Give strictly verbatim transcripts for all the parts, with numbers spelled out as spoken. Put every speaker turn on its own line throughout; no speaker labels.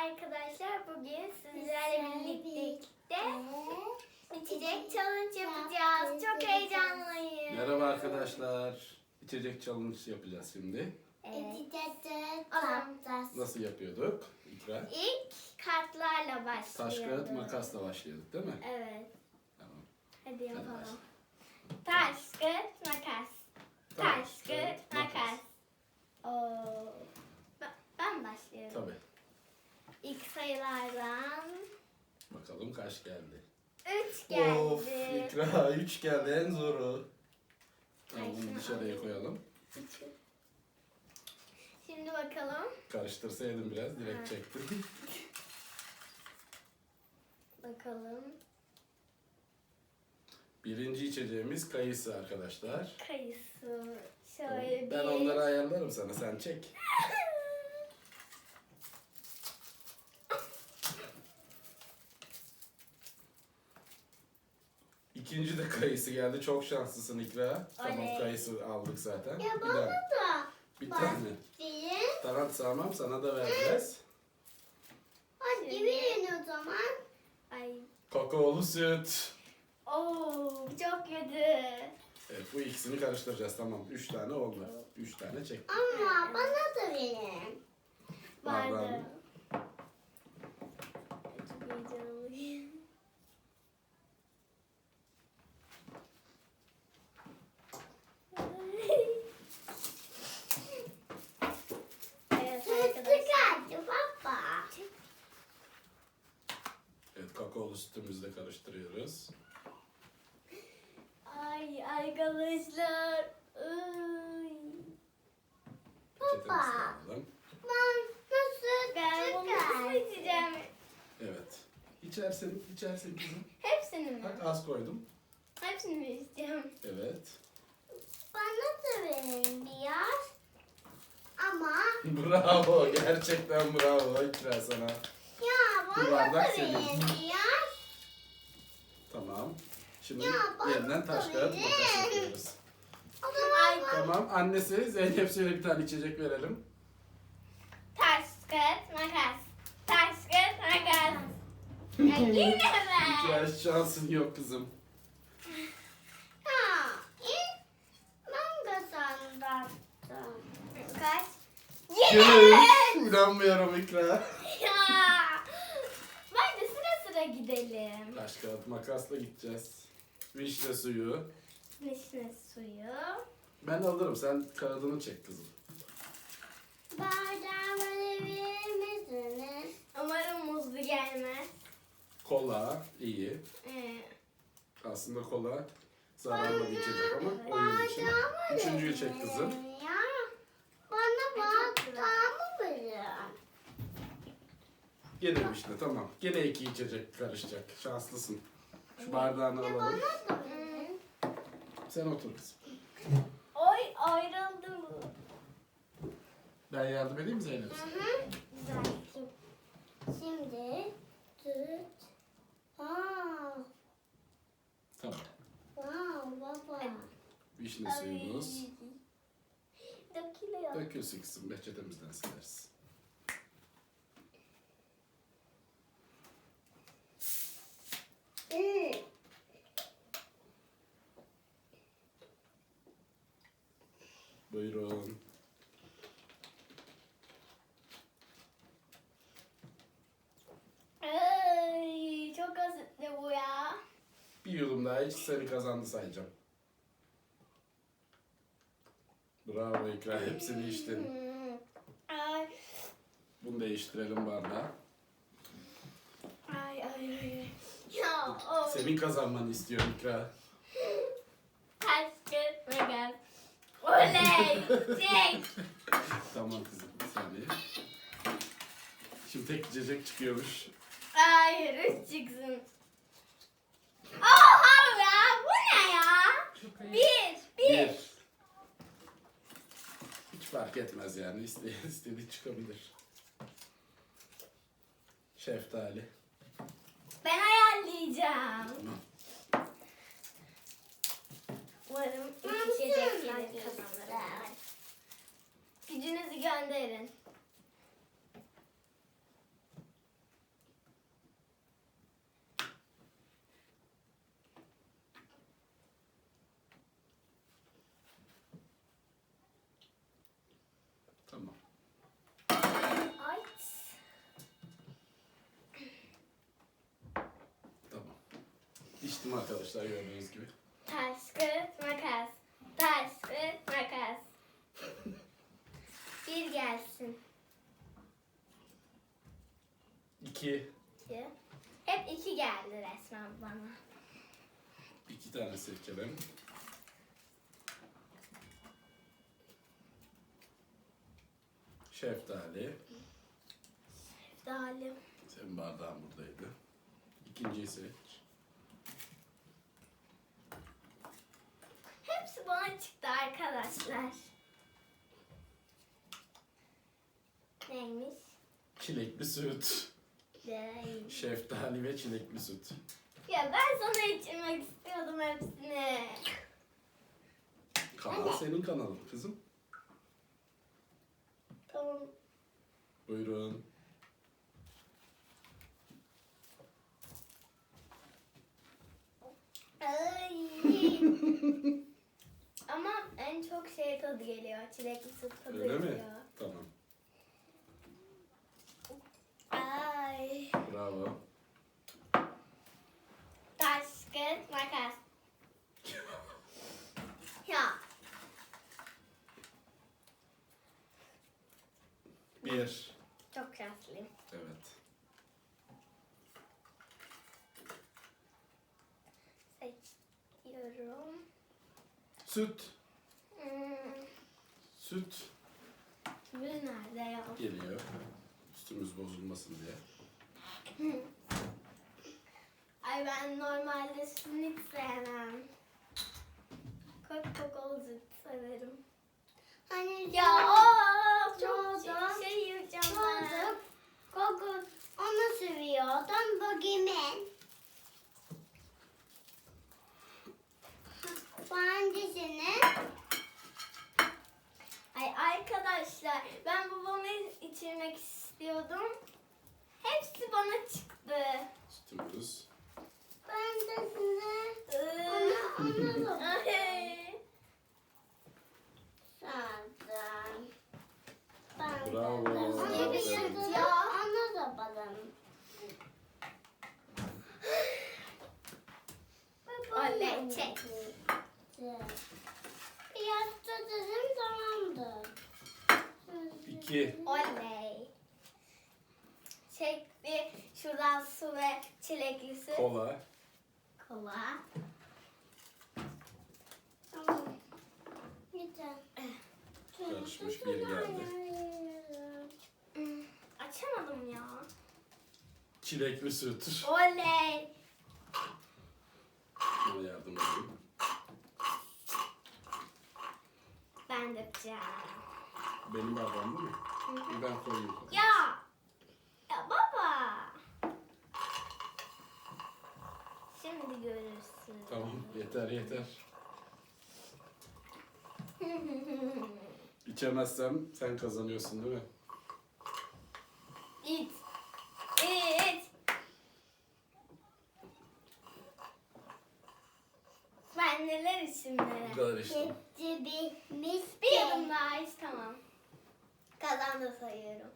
arkadaşlar, bugün sizlerle birlikte içecek challenge yapacağız. Çok heyecanlıyım.
Merhaba arkadaşlar. İçecek challenge yapacağız şimdi.
Evet.
Nasıl yapıyorduk? İkra.
İlk kartlarla başlıyoruz.
Taş, kağıt, makasla başlıyorduk değil mi?
Evet.
Tamam.
Hadi yapalım. Taş, kağıt, makas. Taş, kağıt, makas. Oo. Ben- Ben başlıyorum.
Tabii.
İlk sayılardan
Bakalım kaç geldi.
üç geldi.
Of, İkra üç geldi, en zoru. Tamam,
Ay,
bunu
şunu
dışarıya
alayım.
koyalım.
Üçü. Şimdi bakalım.
Karıştırsaydım biraz, direkt
Ha.
çektim.
Bakalım.
Birinci içeceğimiz kayısı arkadaşlar.
Kayısı. Şöyle
Ben
bir.
onları ayarlarım sana, sen çek. İkinci de kayısı geldi. Çok şanslısın İkra. Tamam,
Oley.
kayısı aldık zaten.
Ya
Bir
bana
tane.
da.
Bir
Bak.
tane.
Bir.
Tamam, tamam, sana da vereceğiz.
Hadi verin o zaman. Ay.
Kakaolu süt.
Oo, çok kötü.
Evet, bu ikisini karıştıracağız. Tamam, üç tane oldu. Üç tane çek.
Ama bana da verin. Vardı.
Bardağını.
Çok heyecanlıyım. Evet arkadaşlar. Baba.
Evet, kakaolu sütümüzü de karıştırıyoruz.
Ay arkadaşlar. Ay.
Peçetemizi de alalım.
Ben nasıl Ben bunu nasıl içeceğim?
Evet. İçersin, içersin kızım.
Hepsini mi?
Bak, az koydum.
Hepsini mi isteyeceğim?
Evet.
Bana da verin biraz. Ama
Bravo, gerçekten bravo İkra sana.
ya
Bu
bana
bardak
da
senin.
verin biraz.
Tamam. Şimdi
Ya, bana
yeniden taş
da
kağıt
verin.
makas yapıyoruz.
O zaman
Tamam, annesi Zeynep, söyle bir tane içecek verelim.
taş, kağıt, makas. Taş, kağıt, makas. Ya yine ben.
İkra, şansın yok kızım.
Ha, ilk ben kazandım. Kaç?
Yine
Yine.
üç. İnanmıyorum İkra.
Ya. Bence sıra sıra gidelim.
Taş kağıt makasla gideceğiz. Vişne suyu.
Vişne suyu.
Ben alırım, sen kağıdını çek kızım.
Bardağımı verir misiniz? Umarım muzlu gelmez.
Kola iyi.
Ee,
Aslında kola zararlı bir içecek ama oyun için. Üçüncüyü çek kızım.
Ya. Bana bardağımı verin.
Gene vişne, tamam. Gene iki içecek karışacak. Şanslısın. Şu bardağını alalım.
da verin.
Sen otur kızım.
Oy ayrıldım.
Ben yardım edeyim mi Zeynep?
Hı hı. Güzel. Şimdi tut. Aa,
Tamam.
wow baba.
Vişne suyumuz.
Dökülüyor.
Dökülsün kızım. Peçetemizden sileriz.
Hmm.
Buyurun.
Ay, çok asitli bu ya.
Bir yudum daha iç, seni kazandı sayacağım. Bravo İkra, hepsini içtin.
Hmm. Ay,
Bunu değiştirelim bardağa.
ay, ay, ay. Ya, o.
Senin kazanmanı istiyorum İkra.
Taş, kağıt, makas. Oley! Çek!
Tamam kızım, bir saniye. Şimdi tek içecek çıkıyormuş.
Hayır, üç çıksın. Oha ya! Bu ne ya? Bir, bir.
Bir. Hiç fark etmez yani, İste- istediği çıkabilir. Şeftali.
Ben ayarlayacağım.
Tamam.
Umarım üç içecekleri kazanırım. Gücünüzü gönderin.
başladım arkadaşlar gördüğünüz gibi.
Taş, kağıt, makas. Taş, kağıt, makas. Bir gelsin.
İki.
İki. Hep iki geldi resmen bana.
İki tane seçelim. Şeftali.
Dalim.
Senin bardağın buradaydı. İkinciyi seç.
Hepsi bana çıktı arkadaşlar. Neymiş?
Çilekli süt.
Değil.
Şeftali ve çilekli süt.
Ya ben sana içirmek istiyordum hepsini.
Kanal senin kanalın kızım.
Tamam.
Buyurun.
Ay. Ama en çok şey tadı geliyor. Çilekli süt tadı
Öyle
geliyor.
mi? Tamam.
Ay.
Bravo.
Taş, kağıt, makas. Ya.
Bir.
Çok şanslıyım.
Evet.
Seçiyorum.
Süt.
Hmm.
Süt
Kimin nerede ya?
geliyor. Üstümüz bozulmasın diye.
Ay ben normalde sütünü hiç sevmem. Kok kokolu süt severim.
Hani
Ya o çok
Doğdum.
şey yiyeceğim ben.
Doğdum. Gogo onu seviyordum. Bugün Hangisini?
Ay arkadaşlar ben babamı içirmek istiyordum. Hepsi bana çıktı.
Sütümüz.
Ben de size
Iı.
onu da
Ay.
sardım. Ben
Bravo.
de onu
Ne bir
da
süt ya?
onu da balım.
Oley çek.
Piyasta dedim tamamdır.
İki.
Oley. Çekti şuradan su ve çilekli süt.
Kola.
Kola.
Tamam. Güzel.
Karışmış bir geldi.
Hmm, Açamadım ya.
Çilekli süt.
Oley.
Bana yardım edin.
Ben de yapacağım.
Benim bardağım değil mi? Bir ben koyayım.
Ya. Ya baba. Şimdi görürsün.
Tamam yeter yeter. İçemezsem sen kazanıyorsun değil mi?
İt. İt. Ben neler içim
Bu
neler.
kadar işte.
Hepsi bitmiş.
Bir yudum daha iç tamam. Kazandı sayıyorum.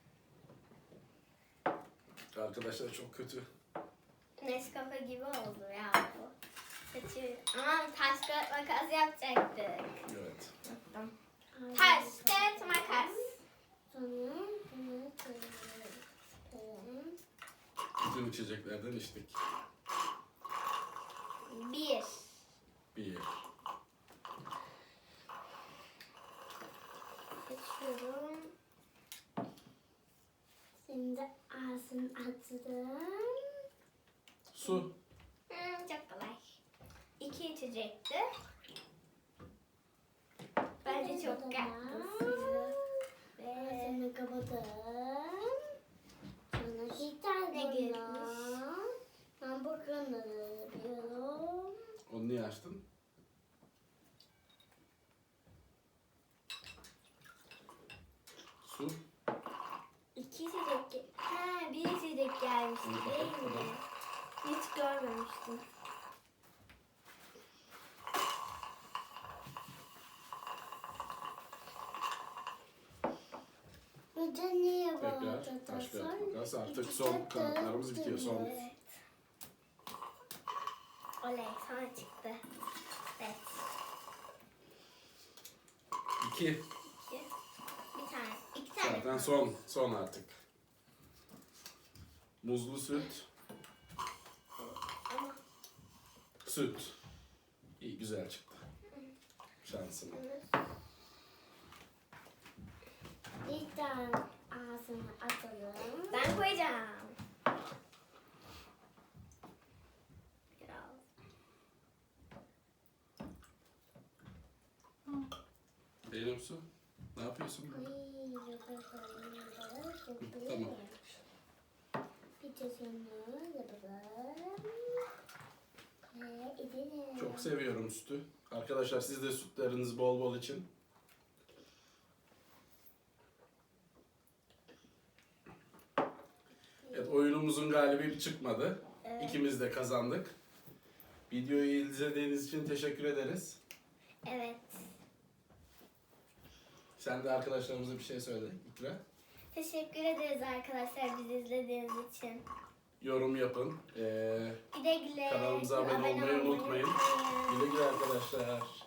Arkadaşlar çok kötü.
Nescafe gibi oldu ya bu. Seçiyorum. Aman taş kağıt makas yapacaktık.
Evet.
Yaptım. Taş kağıt makas.
Sonra bunu koyalım.
Bütün içeceklerden içtik.
Bir.
Bir.
Seçiyorum.
Şimdi ağzını açtım.
Su.
Hmm, çok kolay. İki içecekti. Bence çok yaktı sizi. Ve
Ağzını kapadım. Sonra gitar
Ne
bunu.
gelmiş?
Ben bakanları yapıyorum.
Onu niye açtın? Su.
iki içecek. ge- Ha, bir içecek gelmişti
Onu
değil
kapat,
mi?
kapat.
Hiç görmemiştim.
Bir de niye
Tekrar
bağırdı?
taş kağıt makas. Artık son kartlarımız bitiyor. Son.
Evet. Oley sana çıktı. Evet.
İki.
İki. Bir tane. İki tane.
Zaten son. Son artık. Muzlu süt.
Ama
Süt. İyi güzel çıktı. Şansına.
Bir tane ağzına atalım.
ben koyacağım. Biraz.
Benim su. Ne yapıyorsun? Tamam.
Bir de şunu yapalım. Ve edelim.
Çok seviyorum sütü. Arkadaşlar siz de sütleriniz bol bol için. Evet, oyunumuzun galibi çıkmadı.
Evet.
İkimiz de kazandık. Videoyu izlediğiniz için teşekkür ederiz.
Evet.
Sen de arkadaşlarımıza bir şey söyle İkra.
Teşekkür ederiz arkadaşlar bizi izlediğiniz için.
Yorum yapın. Ee,
Güle güle.
Kanalımıza abone olmayı unutmayın. Güle güle arkadaşlar.